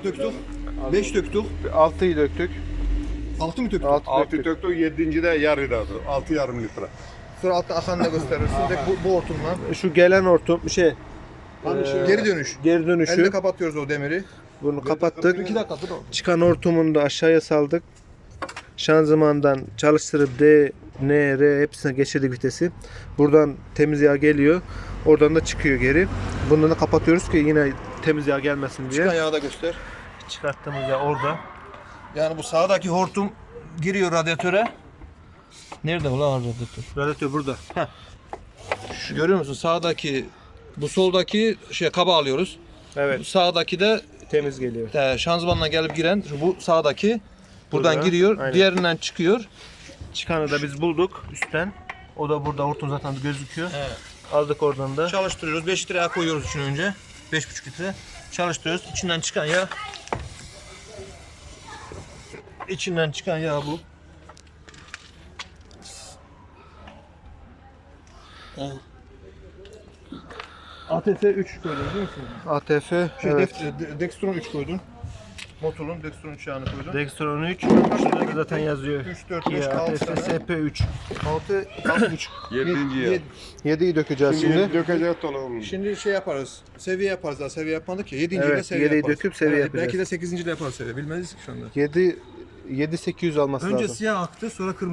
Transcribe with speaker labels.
Speaker 1: döktük. 5 döktük.
Speaker 2: 6'yı döktük.
Speaker 1: 6 mı döktük?
Speaker 2: 6 döktük.
Speaker 3: Töktük 7. de yarıda 6,5 litre.
Speaker 1: Sonra altta akan da gösterirsin. Bu hortumla.
Speaker 2: Şu gelen hortum
Speaker 1: Geri dönüş.
Speaker 2: geri dönüşü.
Speaker 1: Elle kapatıyoruz o demiri.
Speaker 2: Bunu kapattık.
Speaker 1: 2 dakika dur.
Speaker 2: Çıkan hortumunu da aşağıya saldık. Şanzımandan çalıştırıp D, N, R hepsine geçirdik vitesi. Buradan temiz yağ geliyor. Oradan da çıkıyor geri. Bundan da kapatıyoruz ki yine temiz yağ gelmesin diye.
Speaker 1: Çıkan yağı da göster.
Speaker 2: Çıkarttığımız yağ orada.
Speaker 1: Yani bu sağdaki hortum giriyor radyatöre. Nerede ulan radyatör?
Speaker 2: Radyatör burada.
Speaker 1: Şu görüyor musun? Sağdaki bu soldaki kaba alıyoruz.
Speaker 2: Evet.
Speaker 1: Bu sağdaki de
Speaker 2: Temiz geliyor.
Speaker 1: şanzımanla gelip giren bu sağdaki buradan
Speaker 2: Burada,
Speaker 1: giriyor.
Speaker 2: aynen.
Speaker 1: Diğerinden çıkıyor.
Speaker 2: Çıkanı da biz bulduk üstten. O da burada hortum zaten gözüküyor.
Speaker 1: Evet.
Speaker 2: Aldık oradan da.
Speaker 1: Çalıştırıyoruz. 5 litre yağ koyuyoruz içine önce. 5,5 litre. Çalıştırıyoruz. İçinden çıkan yağ. İçinden çıkan yağ bu. ATF 3 koydun değil mi?
Speaker 2: ATF,
Speaker 1: Şey,
Speaker 2: evet.
Speaker 1: Dextron 3 koydun. Motorun Dextron 3 yağını koydun.
Speaker 2: Dextron 3. Şurada da zaten yazıyor.
Speaker 1: 3, 4, 5,
Speaker 2: Kia
Speaker 1: 6
Speaker 2: ATF
Speaker 1: tane.
Speaker 2: SP3.
Speaker 1: 6, 6,5.
Speaker 3: 7. yer.
Speaker 2: 7'yi dökeceğiz
Speaker 3: Şimdi
Speaker 2: şimdi.
Speaker 3: dökecek dolu.
Speaker 1: Şimdi şey yaparız. Seviye yaparız daha. Seviye yapmadık ya. 7. ile
Speaker 2: Evet,
Speaker 1: seviye
Speaker 2: 7'yi
Speaker 1: yaparız.
Speaker 2: döküp seviye yapacağız.
Speaker 1: Belki de 8. ile yaparız seviye. Bilmeyiz ki şu anda.
Speaker 2: 7 800 alması
Speaker 1: Önce
Speaker 2: lazım.
Speaker 1: siyah aktı, sonra kırmızı.